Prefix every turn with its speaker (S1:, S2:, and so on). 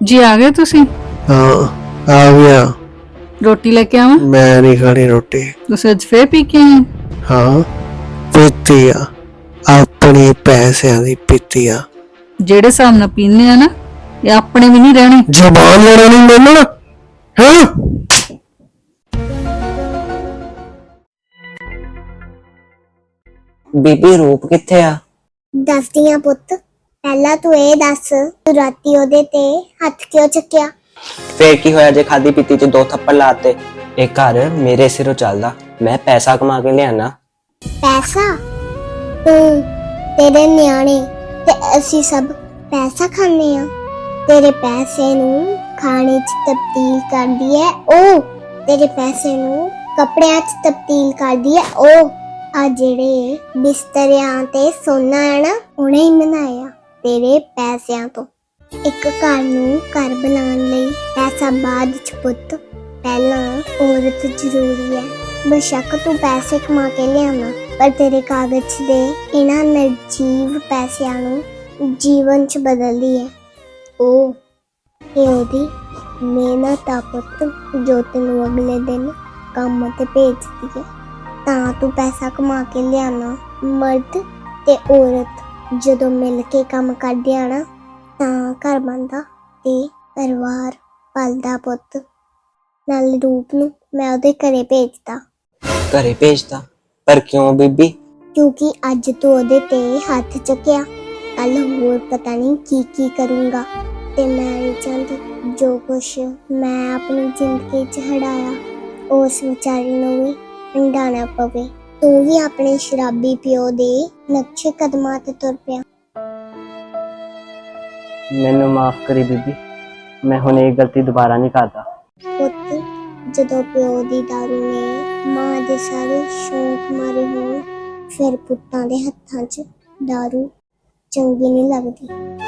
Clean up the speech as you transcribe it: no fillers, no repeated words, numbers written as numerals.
S1: जी आ गए तुसी?
S2: हाँ आ गया।
S1: रोटी लेके आवां?
S2: मैं नहीं खानी रोटी।
S1: तुसी अज फिर पी के आए?
S2: हाँ पीती आ, अपने पैसों की पीती आ।
S1: जेड़े हिसाब नाल पीने आ ना, ये अपने भी नहीं रहने।
S2: जबान लड़ा नहीं मैनू ना, हाँ?
S3: ਬੀਬੀ ਰੂਪ ਕਿੱਥੇ ਆ?
S4: ਦੱਸਦੀ ਆ ਪੁੱਤ। ਪਹਿਲਾਂ ਤੂੰ ਇਹ ਦੱਸ, ਤੂੰ ਰਾਤੀ ਉਹਦੇ ਤੇ ਹੱਥ ਕਿਉਂ ਚੱਕਿਆ?
S3: ਫੇਰ ਕੀ ਹੋਇਆ ਜੇ ਖਾਦੀ ਪੀਤੀ ਚ 2 ਥੱਪੜ ਲਾਤੇ? ਇਹ ਘਰ ਮੇਰੇ ਸਿਰੋਂ ਚੱਲਦਾ, ਮੈਂ ਪੈਸਾ ਕਮਾ ਕੇ ਲਿਆਣਾ।
S4: ਪੈਸਾ? ਤੂੰ, ਤੇਰੇ ਨਿਆਣੇ ਤੇ ਅਸੀਂ ਸਭ ਪੈਸਾ ਖਾਂਦੇ ਆ। ਤੇਰੇ ਪੈਸੇ ਨੂੰ ਖਾਣੇ 'ਚ ਤਬਦੀਲ ਕਰਦੀ ਹੈ ਉਹ। ਤੇਰੇ ਪੈਸੇ ਨੂੰ ਕੱਪੜਿਆਂ 'ਚ ਤਬਦੀਲ ਕਰਦੀ ਹੈ ਉਹ। ਆ ਜਿਹੜੇ ਬਿਸਤਰਿਆਂ ਤੇ ਸੋਨਾ ਹੈ ਨਾ, ਉਹਨੇ ਹੀ ਬਣਾਇਆ ਤੇਰੇ ਪੈਸਿਆਂ ਤੋਂ। ਇੱਕ ਘਰ ਨੂੰ ਘਰ ਬਣਾਉਣ ਲਈ ਪੈਸਾ ਬਾਅਦ 'ਚ ਪੁੱਤ, ਪਹਿਲਾਂ ਔਰਤ ਜ਼ਰੂਰੀ ਹੈ। ਬੇਸ਼ੱਕ ਤੂੰ ਪੈਸੇ ਕਮਾ ਕੇ ਲਿਆਉਣਾ, ਪਰ ਤੇਰੇ ਕਾਗਜ਼ ਦੇ ਇਹਨਾਂ ਨਿਰਜੀਵ ਪੈਸਿਆਂ ਨੂੰ ਜੀਵਨ 'ਚ ਬਦਲਦੀ ਹੈ ਉਹ। ਇਹ ਉਹਦੀ ਮਿਹਨਤ ਆ ਪੁੱਤ, ਜੋ ਤੈਨੂੰ ਅਗਲੇ ਦਿਨ ਕੰਮ ਤੇ ਭੇਜਦੀ ਹੈ। ਤਾਂ ਤੂੰ ਪੈਸਾ ਕਮਾ ਕੇ ਲਿਆਉਣਾ। ਮਰਦ ਤੇ ਔਰਤ ਜਦੋਂ ਮਿਲ ਕੇ ਕੰਮ ਕਰਦੇ ਆ ਨਾ, ਤਾਂ ਘਰ ਬਣਦਾ ਤੇ ਪਰਿਵਾਰ ਪਲਦਾ ਪੁੱਤ। ਨਾਲ ਰੂਪ ਨੂੰ ਮੈਂ ਉਹਦੇ ਘਰੇ ਭੇਜਦਾ।
S3: ਘਰੇ ਭੇਜਦਾ? ਪਰ ਕਿਉਂ ਬੀਬੀ?
S4: ਕਿਉਂਕਿ ਅੱਜ ਤੂੰ ਉਹਦੇ ਤੇ ਹੱਥ ਚੱਕਿਆ, ਕੱਲ ਹੋਰ ਪਤਾ ਨਹੀਂ ਕੀ ਕਰੂੰਗਾ। ਤੇ ਮੈਂ ਨਹੀਂ ਚਾਹੁੰਦੀ ਜੋ ਕੁਛ ਮੈਂ ਆਪਣੀ ਜ਼ਿੰਦਗੀ 'ਚ ਹੰਢਾਇਆ, ਉਸ ਵਿਚਾਰੀ ਨੂੰ ਵੀ ਹੰਢਾਉਣਾ ਪਵੇ। ਤੂੰ ਵੀ ਆਪਣੇ ਸ਼ਰਾਬੀ ਪਿਓ ਦੇ ਨਕਸ਼ੇ ਕਦਮਾਂ ਤੇ ਤੁਰ ਪਿਆ।
S3: ਮੈਨੂੰ ਮਾਫ ਕਰੀ ਬੀਬੀ, ਮੈਂ ਹੁਣ ਇਹ ਗਲਤੀ ਦੁਬਾਰਾ ਨਹੀਂ ਕਰਦਾ।
S4: ਪੁੱਤ, ਜਦੋਂ ਪਿਓ ਦੀ ਦਾਰੂ ਨੇ ਮਾਂ ਦੇ ਸਾਰੇ ਸ਼ੌਂਕ ਮਾਰੇ ਹੋਣ, ਫਿਰ ਪੁੱਤਾਂ ਦੇ ਹੱਥਾਂ 'ਚ ਦਾਰੂ ਚੰਗੀ ਨਹੀਂ ਲੱਗਦੀ।